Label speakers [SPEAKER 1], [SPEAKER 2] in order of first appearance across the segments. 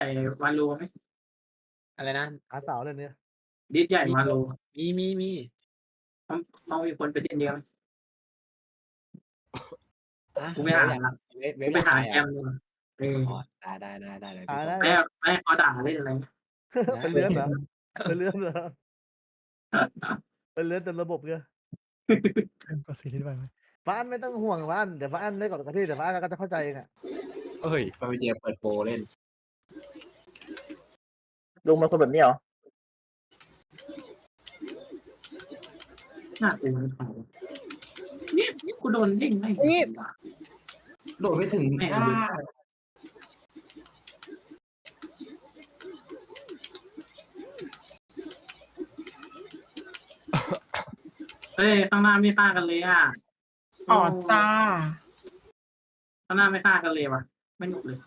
[SPEAKER 1] วาโลไหม
[SPEAKER 2] อะไรนะ
[SPEAKER 3] หาสาวเลยเนี่ย
[SPEAKER 1] ดิสใหญ่
[SPEAKER 2] มี
[SPEAKER 1] วาโล
[SPEAKER 2] มี
[SPEAKER 1] ต้องต้องมีคนไปเล่นเดียว
[SPEAKER 2] อะ
[SPEAKER 1] กูไปหา
[SPEAKER 2] เวฟอยากเว
[SPEAKER 1] กูไปหา
[SPEAKER 2] ฟอยากไปเหรอ
[SPEAKER 1] แกมดูเออ
[SPEAKER 2] อ๋อได้เลย
[SPEAKER 3] หา
[SPEAKER 2] พี่ส่ง
[SPEAKER 3] ได้
[SPEAKER 1] ไม่ไม่เขาด่าเล่นอะไร
[SPEAKER 2] ได้
[SPEAKER 3] เป็นเลื้อนเหรอเป็นเลื้อนเหรอเป็นเลื้อนเต็มระบบเลยก็ซีรีส์ไปไหมฟ้านไม่ต้องห่วงฟ้านเดี๋ยวฟ้านได้ก่อนกับพี่เดี๋ยวฟ้านก็จะเข้าใจเองอ่ะ
[SPEAKER 4] เฮ้ยพาไปเจเปิดโปรเล่น
[SPEAKER 5] ลุงเป็นคนแบบนี้เหรอ
[SPEAKER 1] น่าเป็นเขาเนี่ยกูโดนเด้งไม่
[SPEAKER 4] โดดไม่ถึง
[SPEAKER 1] แม่ง
[SPEAKER 4] อ่า
[SPEAKER 1] เฮ้ยข้างหน้าไม่ฆ่ากันเลยอ่ะ
[SPEAKER 6] อ๋อจ้า
[SPEAKER 1] ข้างหน้าไม่ฆ่ากันเลยว่ะไม่หนุกเลย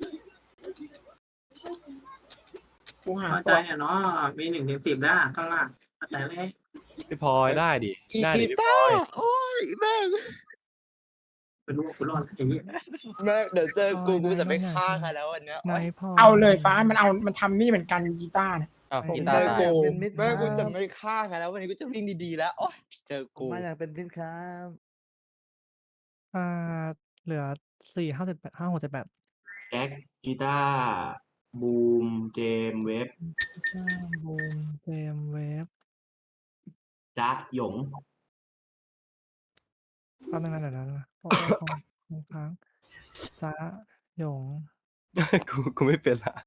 [SPEAKER 6] กูหา
[SPEAKER 1] เข้าใจ
[SPEAKER 6] ตัว
[SPEAKER 1] อ่ะเนาะมี1 ถึง 10แล้วข้างล่างเข้าใจเลย
[SPEAKER 7] พี่พลอยได้ดิได้ดิพี่พลอย
[SPEAKER 8] โอ้ยแม่ง
[SPEAKER 1] เป็นลูกกูรอดไอ้เหี้ย
[SPEAKER 8] แม่งเดี๋ยวเจอกูจะไม่ฆ่าใครแล้ววันเนี้ย
[SPEAKER 3] นายพ่อ
[SPEAKER 6] เอาเลยฟ้ามันทำนี่เหมือนกันกีตาร์เนี่ย
[SPEAKER 2] อ้าว
[SPEAKER 3] ผม
[SPEAKER 2] กี
[SPEAKER 8] เจ
[SPEAKER 2] ตาร์
[SPEAKER 8] อ
[SPEAKER 2] ตาย
[SPEAKER 8] กู
[SPEAKER 3] เป็นมิตร
[SPEAKER 8] แม่งกู
[SPEAKER 3] ครั
[SPEAKER 8] จะ
[SPEAKER 3] บ
[SPEAKER 8] ไม่ฆ่าใครแล้ววันนี้กูจะวิ่งดีๆแล้วโอ้ยเจอกู
[SPEAKER 3] มาอยากเป็นพิษครับ
[SPEAKER 9] เหลือ4 5 7 8 5 6 7 8
[SPEAKER 4] แจ็คกีตาร์บูมเจมส์เวฟ
[SPEAKER 9] บูมเจมเวฟ
[SPEAKER 4] จ๊ะหยง
[SPEAKER 9] แป๊บนึงนะเดี๋ยวนะของค้างจ้าหยง
[SPEAKER 7] กูไม่เป็นละ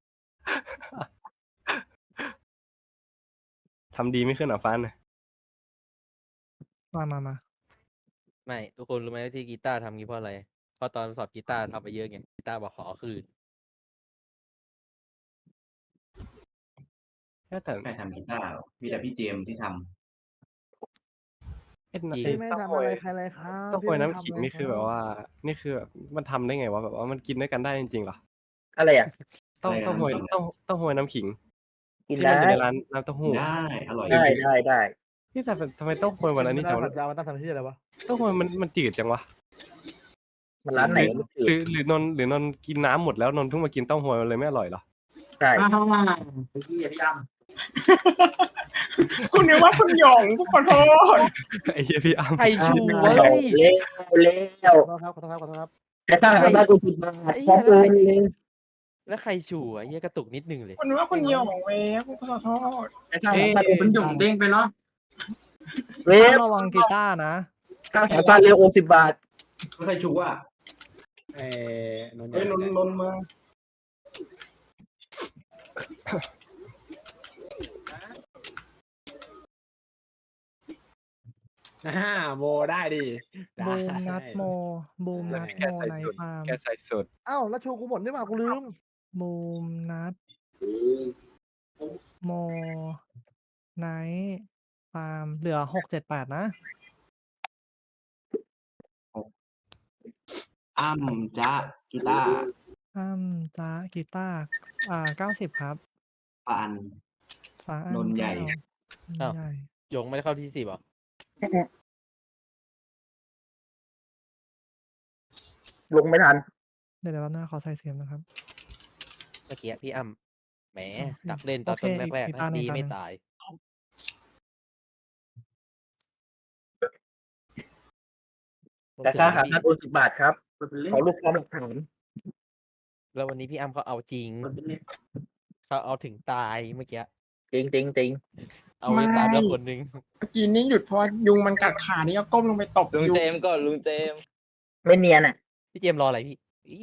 [SPEAKER 7] ทำดีไม่ขึ้นเหรอฟัน
[SPEAKER 9] มา
[SPEAKER 2] ไม่ทุกคนรู้ไหมที่กีตาร์ทำงี้เพราะอะไรเพราะตอนสอบกีตาร์ทำไปเยอะไงกีตาร์บอกขอคืน
[SPEAKER 7] แต่
[SPEAKER 4] ใครทำกีตาร์หรอมีแต่พี่เจมส์ที่ท
[SPEAKER 7] ไอ้
[SPEAKER 2] จริง
[SPEAKER 3] พี่ไม่
[SPEAKER 7] เต้า
[SPEAKER 3] ทำ
[SPEAKER 7] หว
[SPEAKER 3] อะไร
[SPEAKER 7] ย
[SPEAKER 3] ใครเลยครับ
[SPEAKER 7] เต้าห
[SPEAKER 3] พี่
[SPEAKER 7] วย
[SPEAKER 3] ไม่
[SPEAKER 7] น้ำ
[SPEAKER 3] ทำ
[SPEAKER 7] ขิง
[SPEAKER 3] เลย
[SPEAKER 7] นี่คือแบบว่า นี่คือแบบมันทำได้ไงวะแบบว่ามันกินด้วยกันได้จริงๆเหรอ
[SPEAKER 5] อะไรอ่ะ
[SPEAKER 7] เต้าหวยเต้าหวยน้ำขิง
[SPEAKER 5] กิน
[SPEAKER 7] ที่
[SPEAKER 5] ได้
[SPEAKER 7] มันอยู่ในร้านน้ำเต้า
[SPEAKER 4] ำ
[SPEAKER 7] หู้
[SPEAKER 4] ได้อร่อย
[SPEAKER 5] ได้
[SPEAKER 7] พี่แต่ทำไมเต้าหวยวันนั้นนี่
[SPEAKER 3] จะ
[SPEAKER 7] จัง
[SPEAKER 3] เอาจะเอามาตั้งทำที่อะไรวะ
[SPEAKER 7] เต้าหวยมันจืดจังวะ
[SPEAKER 5] มันร้านไหนก็ไม่
[SPEAKER 7] หรือนนท์กินน้ำหมดแล้วนนท์เพิ่งมากินเต้าหวยมันเลยไม่อร่อยเหรอ
[SPEAKER 5] ใช่
[SPEAKER 1] อ้าวไอ้เหี้ยพี่อ้ำ
[SPEAKER 6] คุณนึกว่าคุณหยงกูขอโทษ
[SPEAKER 7] ไอ้เหี้ยพี่อ้ำ
[SPEAKER 2] ใครชูวะ
[SPEAKER 5] เร็วเร็ว
[SPEAKER 3] ขอโทษครับขอโทษครับ
[SPEAKER 5] แต่ถ้าทำได้กูคิดมาพอกูเลย
[SPEAKER 2] แล้วใครชูอ่ะเหี้ยกระตุกนิดนึงเลย
[SPEAKER 6] คุณนึกว่าคุณหยงเว้ยกูขอโทษ
[SPEAKER 1] ไอ้ข้าวมันเป็นหย่งเด้งไปเนาะ
[SPEAKER 5] เวฟ
[SPEAKER 9] ระวังกีตาร์นะ
[SPEAKER 5] ข้าวแถวบ้านเร็ว60 บาท
[SPEAKER 4] ไม่ใครชูอ่ะ
[SPEAKER 2] นนท์
[SPEAKER 4] เฮ้ยนนท์มา
[SPEAKER 2] โมได้ดิ
[SPEAKER 9] บูมนัดโมบูมนัด
[SPEAKER 7] แก
[SPEAKER 9] โม
[SPEAKER 7] ใส่
[SPEAKER 9] ใน
[SPEAKER 7] สุด
[SPEAKER 9] ฟาร์ม
[SPEAKER 7] แกใส่สุด
[SPEAKER 3] อ้าวแล้วชูกูหมดนี่หว่ากูลืม
[SPEAKER 9] บูมนัดโมไนท์ฟาร์มเหลือ6 7 8นะ
[SPEAKER 4] อ้ำจ๊ะกีตาร์
[SPEAKER 9] จ้ากีตาร์90 ครับ
[SPEAKER 4] ปาน
[SPEAKER 9] ฟ้าน
[SPEAKER 4] นท์ใหญ่
[SPEAKER 9] 9นนท์ใหญ่
[SPEAKER 2] หยงไม่ได้เข้าที่10หรอ
[SPEAKER 5] ลงไม่ทัน
[SPEAKER 9] เดี๋ยวแป๊บนึงนะขอใส่เสียงนะครับ
[SPEAKER 2] เมื่อกี้พี่อ้ำแหม
[SPEAKER 9] อ๋อสิ
[SPEAKER 2] ดักเล่นตอน
[SPEAKER 9] โอเค
[SPEAKER 2] ต้นแรก
[SPEAKER 9] อีก
[SPEAKER 2] ๆ
[SPEAKER 9] ตา
[SPEAKER 2] นะ
[SPEAKER 9] หนึ่ง
[SPEAKER 2] ดี
[SPEAKER 9] ตาหนึ่ง
[SPEAKER 2] ไม่ตาย
[SPEAKER 5] แต่ค่าหาค่า60 บาทครับ
[SPEAKER 1] มันเป็นเล่น
[SPEAKER 5] ขอลูกความหลักฐาน
[SPEAKER 2] แล้ววันนี้พี่อ้ำเขาเอาจริง
[SPEAKER 1] มันเป็นเล่น
[SPEAKER 2] เขาเอาถึงตายเมื่อกี้
[SPEAKER 5] จริง
[SPEAKER 2] เอาไม่ตายแล้วคนนึง
[SPEAKER 6] เมื่อกี้นี่หยุดเพราะยุงมันกัดขานี่ก็ก้มลงไปตบ
[SPEAKER 8] ลุง
[SPEAKER 6] ยุง
[SPEAKER 8] เจมส์ก่อนลุงเจมส์
[SPEAKER 5] ไม่เนียนอ่ะ
[SPEAKER 2] พี่เจมส์รออะไรพี่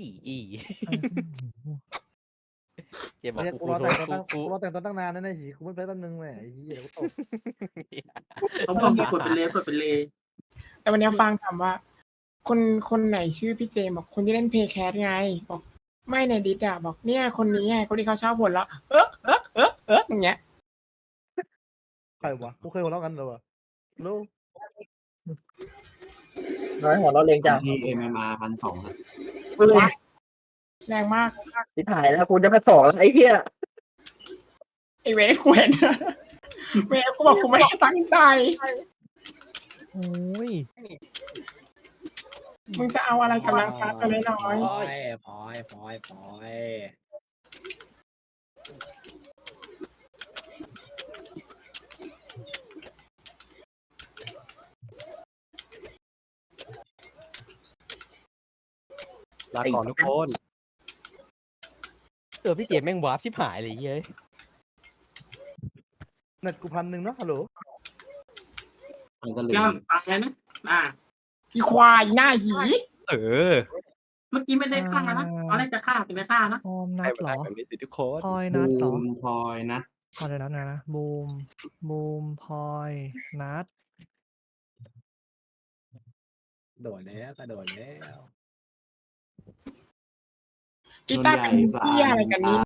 [SPEAKER 2] เจมส์บอก
[SPEAKER 3] เนี่ย
[SPEAKER 2] กู
[SPEAKER 3] กูรอ
[SPEAKER 2] โท
[SPEAKER 3] แต่
[SPEAKER 2] ษ
[SPEAKER 3] งตัวตั้ง
[SPEAKER 2] กู
[SPEAKER 3] กูรอแต่งตัวตั้งนานนั่นไอ้หีกูไม่ไปแป๊บนึงแหมไอ้เหี้ยกูตก
[SPEAKER 1] เขาบอกกดเป็นเลกดเป็นเล
[SPEAKER 6] แต่วันนี้ฟังถามว่า คนไหนชื่อพี่เจมบอกคนที่เล่นเพย์แคสไงบอกไม่ในดิสอะบอกเนี่ยคนนี้ไงคนที่เขาชอบบ่นแล้วอย่างเงี้ย
[SPEAKER 3] ใครวะกูเคยหัวเราะกันเหรอวะรู้
[SPEAKER 5] น้อยหัวเราะเรงจัง
[SPEAKER 4] ที่ MMR 1,200อ่ะ
[SPEAKER 6] แรงมาก
[SPEAKER 5] ที่ถ่ายแล้วกูจะมาสอนไอ้เหี้ย
[SPEAKER 6] ไอเวฟกูเห็นเวฟกูบอกกูไม่ได้ตั้งใจ
[SPEAKER 9] โอ้ย
[SPEAKER 6] มึงจะเอาอะไรกับนางฟ้าตัวน้อย
[SPEAKER 2] พอย
[SPEAKER 7] ลาก่อนทุกคน
[SPEAKER 2] พี่เจมส์แม่งวาร์ปชิบหายเลยเย้ย
[SPEAKER 3] เน็ตกู1,000เนาะฮัลโหล
[SPEAKER 4] มันสลึ
[SPEAKER 1] แก้
[SPEAKER 4] ง
[SPEAKER 1] วฟังเลยนะ
[SPEAKER 6] อีควายหน้าหี
[SPEAKER 7] เออ
[SPEAKER 1] เมื่อกี้ไม่ได้ฆ่านะตอนแรกจะฆ่าแต่ไม่ฆ่านะ
[SPEAKER 9] ออมนั
[SPEAKER 7] ให้
[SPEAKER 9] ด
[SPEAKER 7] มัน
[SPEAKER 9] เหร
[SPEAKER 7] ได้
[SPEAKER 9] อ
[SPEAKER 7] แบบนี้สิทุกคน
[SPEAKER 9] พลอย
[SPEAKER 4] บู
[SPEAKER 9] นัดเหรอ
[SPEAKER 4] มพลอยนัด
[SPEAKER 9] เดี๋ยวนะบูมพลอยนัด
[SPEAKER 5] โดดแล้วกระโดดแล้ว
[SPEAKER 6] กีตาร์เป็นเหี้ยอะไรกันนี่